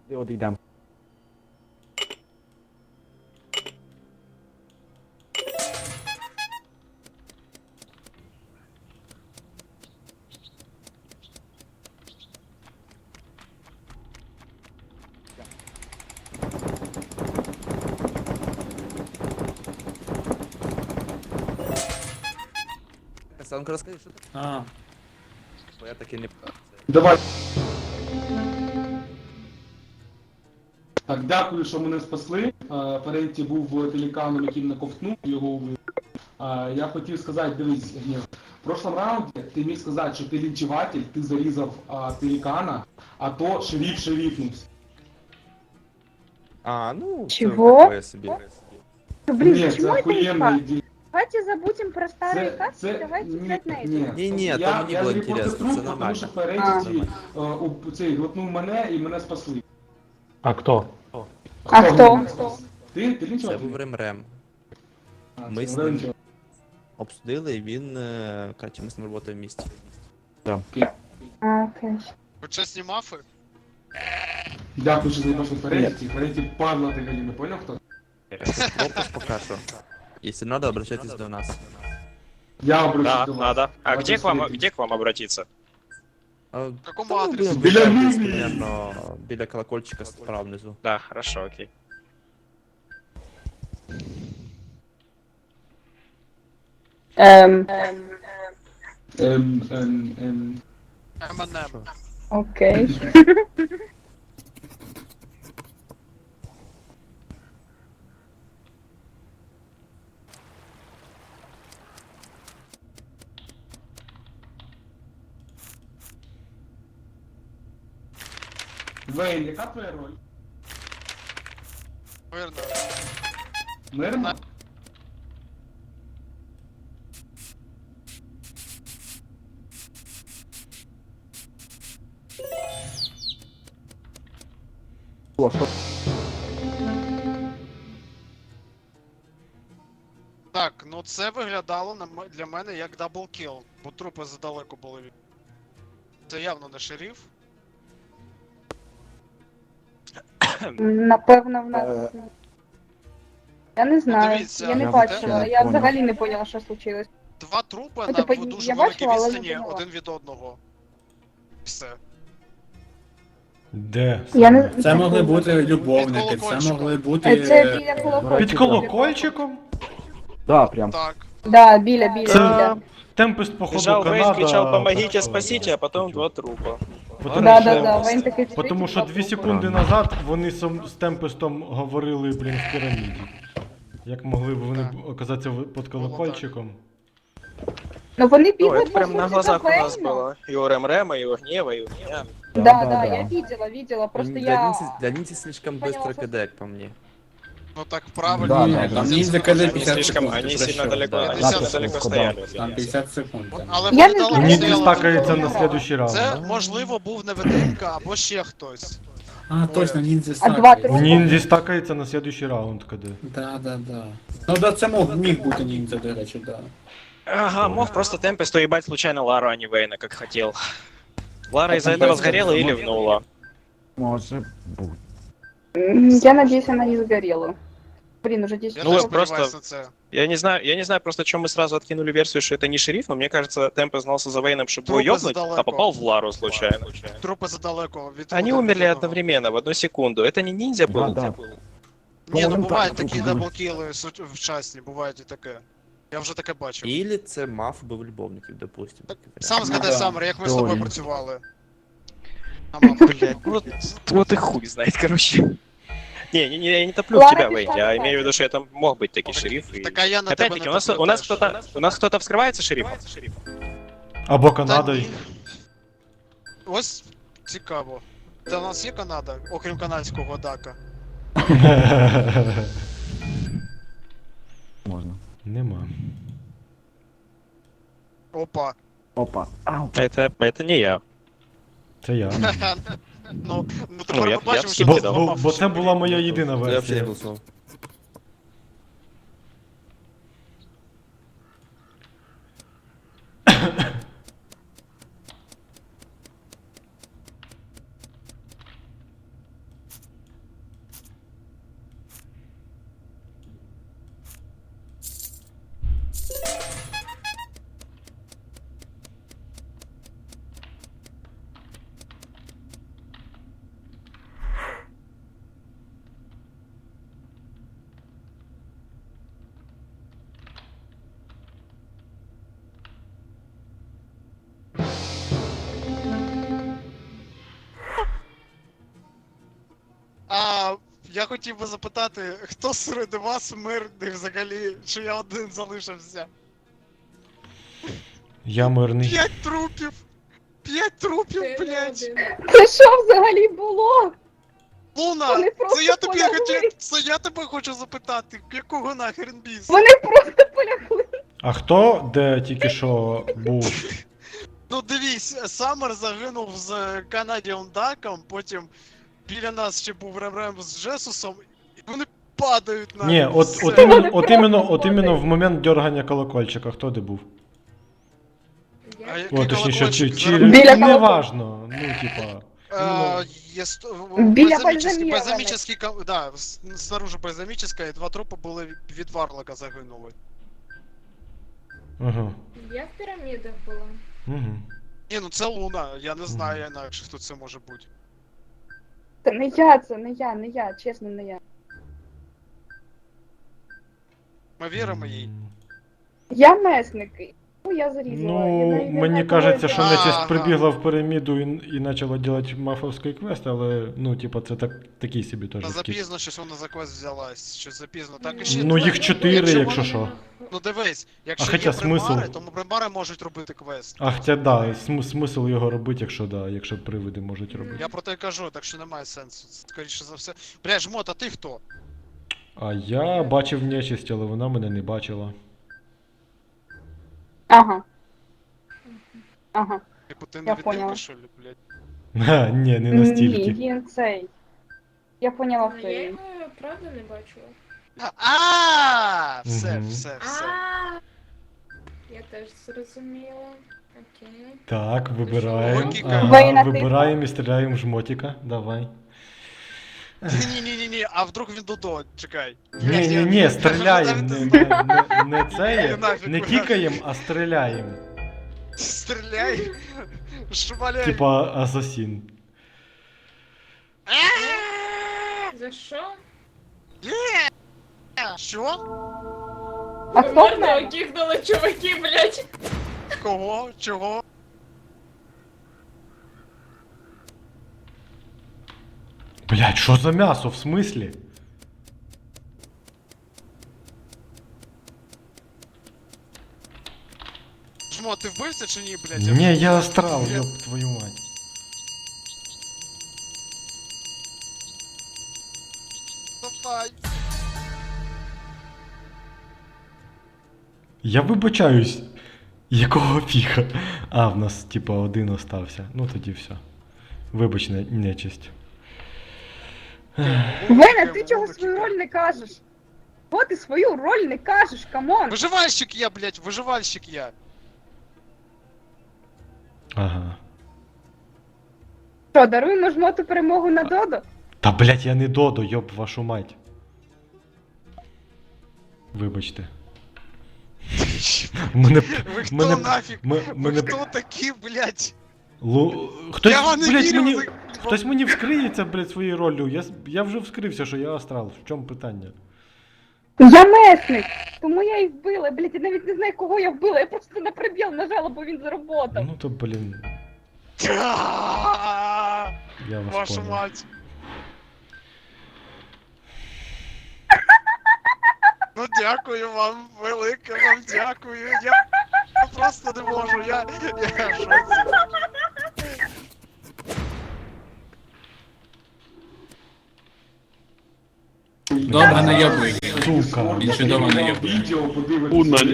Одійдемо. Санко, розкажи, що ти? Бо я таки не... Давай. Так, дякую, що мене спасли. Ференті був пеліканом, який мене ковтнув, його убив. Я хотів сказати, дивись, Гнєв, в прошлом раунді ти міг сказати, що ти лінчуватель, ти зарізав пелікана, а то шериф шерифнувся. А, ну, Чего? це таке собі. Блин, Ні, це почему это охуєнна не ідея. Давайте забудем про старые касты, давайте ні, играть на это. Ні, то я, мені я було зрепортив інтересно, труп, це тому нормально. що Ференті цей глотнув мене і мене спасли. А хто? А кто? Ти Це лінчуватель? був Ремрем. А, Ми це з ним лінчуватель. обсудили, і він, коротше, ми з ним працюємо в місті. А, окей. Ви чесні мафи? Дякую, що заїбав Ференті. Ференті падла ти Галіна, поняв хто? Пропуск поки що. Якщо треба, обращайтесь до нас. Я обращусь Да, до вас. надо. А Давайте где к вам, встретимся. где к вам обратиться? А, Какому та ми адресу? будемо Біля вертатись, лінії. примерно, біля колокольчика справа внизу. Да, хорошо, окей. Ем. МНМ. Окей. Вейн, яка твоя роль? Мирно. Мирна? Так, ну це виглядало для мене як даблкіл, бо трупи задалеко були від. Це явно не шериф. Напевно, в нас. Я не знаю, дивіться, я не я бачила, не я понял. взагалі не поняла, що случилось. Два трупи Ну, на типу, дуже я великій бачила, але не відстані поняла. один від одного. Все. Де? Я не... Це могли бути Під любовники, це колокольчиком. могли бути. Це біля колокольчика. Під колокольчиком? Да, прям. Так. Да, біля. Це Темпест, походу, Бежал Вейн, Канада. кричал «помогите, так, спасите», а потом два трупа. Потому Да, що- да, да, Вейн такий Тому що 2 секунди назад вони з Темпестом говорили, блін, в піраміді. Як могли б вони оказатися під колокольчиком? Ну вони Ну, бігли это прям на глазах у нас было. И у Ремрема, и у Гнева, и у меня. Да, Да, да, да. я видела, просто Для я... Нінці, для Нінці слишком Поняла, быстро що- КД, як по мені. Ну так правильно. Да, Ні, да, там да. ніндзя КД Они 50 слишком, секунд. они ти сильно що? далеко, Да, они да, сильно да, далеко да. стояли. Там 50 секунд. там. Але Я вони не далеко знаю. Ніндзі стояли. стакається один на раз. следующий раунд. Це, можливо, був невидимка або ще хтось. А, точно, ніндзя А два стакається. трупа? Ніндзі стакається на следующий раунд, коли. Да. Ну да, це міг бути ніндзя, до речі, да. Ага, мог просто Темпест уебать случайно Лару, а не Вейна, как хотел. Лара из-за этого Темпест сгорела и мог- ливнула. Може бути. Я надеюсь, она не сгорела. Блин, уже 10 Я Ну, теж ви просто- сподіваюся на це. Я не знаю просто, чем мы сразу откинули версию, что это не шериф, но мне кажется, Темпест знался за Вейном, чтобы его Трупы ёбнуть, задалеко. а попал в Лару случайно. Трупи задалеко від Они один умерли від одного. одновременно, в одну секунду. Это не ниндзя был? Да. Ні, ну Моментально бувають такі трупи даблкіли вчасні, бувають і таке. Я вже таке бачив. Ілі це маф був любовників, допустим. Сам згадай, да. Саммер, як ми з тобою Теорія. працювали. А мама. Блять, вот и хуй знает, короче. Не, я не топлю в Лара тебя, без Вейн, я шансов. имею в виду, что это мог быть таки шериф. И... Так а я на тебе Опять-таки, не у нас теж. кто-то вскрывается шерифом? Або Та Канадою. ні. Ось цікаво. Та у нас є Канада, окрім канадського дака. Можна. Нема. Опа. Опа. Ау. Это не я. Це я. Ну Ну, тепер я- ми бачимо, я що Бо, ти скидав. бо, бо це була моя єдина Я взагалі не версія. голосував. Я хотів би запитати, хто серед вас мирний взагалі, чи я один залишився? Я мирний. 5 трупів! 5 трупів, блядь! Це що взагалі було? Луна! Вони просто Це я тобі полягли. хотів. Це я тебе хочу запитати, якого нахрен біс? Вони просто полягли. А хто де тільки що був? Ну дивись, Саммер загинув з Canadian Duck'ом, потім біля нас ще був Рем з Джесусом, і вони падають на Ні, от іменно в момент дергання колокольчика, хто де був? А який О, точніше, колокольчик чи зараз? Біля не важно, ну, типа. Біля Бальзамічний, Бальзаміра. да, снаружи бальзамічна, і 2 трупи були від Варлока загинули. Ага. Я в пірамідах була. Угу. Ні, ну це Луна, я не знаю інакше, хто це може бути. Це не я, чесно, не я. Ми віримо їй. Я месник. Ну, я зарізала. Я Ну, навіть не мені знаю, кажеться, кого що я- нечисть Ага. прибігла в піраміду і почала робити мафовський квест, але, ну, типа, це такий собі теж Та втік. запізно щось вона за квест взялась, щось запізно. Так і ще. Ну, їх 4, якщо що. Ну дивись, якщо хоча є примари, смисл? то примари можуть робити квест. А хоча да, смисл його робити, якщо привиди можуть робити. Я про те й кажу, так що немає сенсу. Скоріше за все. Бля, жмот, а ти хто? А я бачив нечисть, але вона мене не бачила. Ага. Ага. Типу ти Я не поняла. відділиш, що ли, блядь? Ха, ні, не Ні, настільки. він цей. Я поняла, Ну, хто я він. його правда не бачила. Все, Мгм. все. А, я теж зрозуміла. Окей. Так, вибираємо. Логіка. Ага, Воїна типу? вибираємо і стріляємо в жмотика. Давай. Ні, а вдруг він Дудо, чекай. Ні, стріляємо. Не це, Нафіг, не нафіг. кікаємо, а стріляємо. Стріляй! Шмаляй! Типа асасін. За що? Що? А хто в Мордо мене? кікнули чуваки, блядь. Кого? Чого? Блять, що за м'ясо, в смислі? Жмо, ти вбився чи ні, блядь? Ні, я астрал, ёб твою мать. Давай. Я вибачаюсь. Якого фіга? А, в нас типа один остався. Ну тоді все. Вибач, нечисть. Веня, ти чого свою роль не кажеш? Бо ти свою роль не кажеш, камон! Виживальщик я, блядь, виживальщик я. Ага. Що, даруємо жмоту перемогу на Додо? Та блять, я не Додо, йоб вашу мать. Вибачте. Мене. Ви хто мене- нафіг? м- Ви мене- хто такі, блядь? Хтось, Я вам не блядь, вірю, мені. ви- Хтось мені вскриється, блядь, своєю роллю. Я вже вскрився, що я астрал. В чому питання? Я месник! Тому я і вбила, блядь, я навіть не знаю, кого я вбила, я просто на прибіл нажала, бо він заработав. Ну то, блін, А, я вас Вашу понял. мать. Ну дякую вам, велике вам дякую. Я просто не можу, я в шоці. Добре, наєбуй. Сука. Він чудово наєбує. відео подивитися.